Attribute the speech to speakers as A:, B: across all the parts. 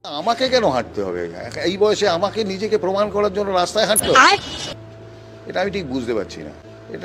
A: আমাকে কেন হাঁটতে হবে? এই বয়সে আমাকে নিজেকে প্রমাণ করার জন্য রাস্তায় হাঁটতে হবে? এটা আমি ঠিক বুঝতে পারছি না।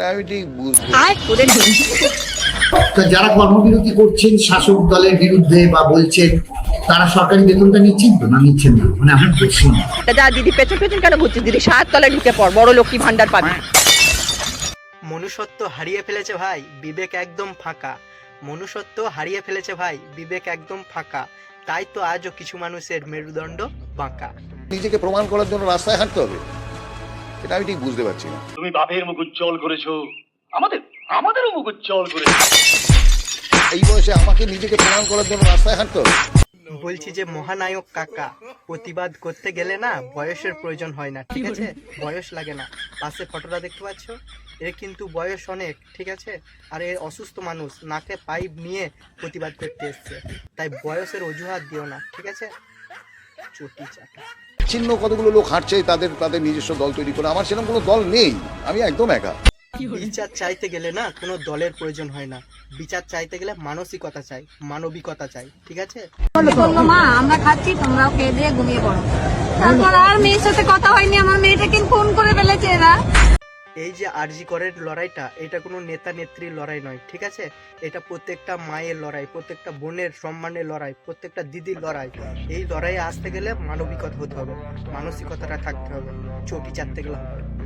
B: তো যারা কর্মবিরতি করছেন শাসক দলের বিরুদ্ধে বা বলছেন, তারা সরকারি বেতনটা নিচ্ছেন তো না নিচ্ছেন না? মানে আমার প্রশ্ন।
C: যা দিদি পেছন পেছন কেন ঘুরছিস দিদি? 7 তলায় ঢুকে পড়, বড় লক্ষ্মী ভান্ডার পাবি।
D: মনুষ্যত্ব হারিয়ে ফেলেছে ভাই, বিবেক একদম ফাঁকা। মনুষ্যত্ব হারিয়ে ফেলেছে ভাই, বিবেক একদম ফাঁকা। তাই তো আজও কিছু মানুষের মেরুদণ্ড বাঁকা।
A: নিজেকে প্রমাণ করার জন্য রাস্তায় হাঁটতে হবে? এটা আমি ঠিক বুঝতে পারছি না।
E: তুমি বাপের মুখ উজ্জ্বল করেছো, আমাদেরও মুখ উজ্জ্বল করেছো।
A: এই বয়সে আমাকে নিজেকে প্রমাণ করার জন্য রাস্তায় হাঁটতে হবে?
D: বলছি যে মহানায়ক কাকা, প্রতিবাদ করতে গেলে না বয়সের প্রয়োজন হয় না, ঠিক আছে? বয়স লাগে না। পাশে ফটোটা দেখতে পাচ্ছ, এর কিন্তু বয়স অনেক, ঠিক আছে? আর এ অসুস্থ মানুষ, নাকে পাইপ নিয়ে প্রতিবাদ করতে এসছে। তাই বয়সের অজুহাত দিও না, ঠিক আছে? চটি চাটা।
A: চিহ্ন কতগুলো লোক হাঁটছে তাদের তাদের নিজস্ব দল তৈরি করে। আমার সেরকম কোনো দল নেই, আমি একদম একা।
D: বিচার চাইতে গেলে না কোনো দলের প্রয়োজন হয় না। বিচার চাইতে গেলে মানসিকতা চাই, মানবিকতা চাই, ঠিক আছে?
F: বললো মা আমরা খাচ্ছি, তোমরাও খেয়ে দিয়ে ঘুমিয়ে পড়ো। তারপর আর মেয়ের সাথে কথা হয়নি, আমার মেয়েটাকে ফোন করে ফেলেছে এরা।
D: এই যে আরজি করের লড়াইটা, এটা কোনো নেতা নেত্রীর লড়াই নয়, ঠিক আছে? এটা প্রত্যেকটা মায়ের লড়াই, প্রত্যেকটা বোনের সম্মানের লড়াই, প্রত্যেকটা দিদির লড়াই। এই লড়াইয়ে আসতে গেলে মানবিকতা হতে হবে, মানসিকতাটা থাকতে হবে, চটি চাটতে গেলে হবে।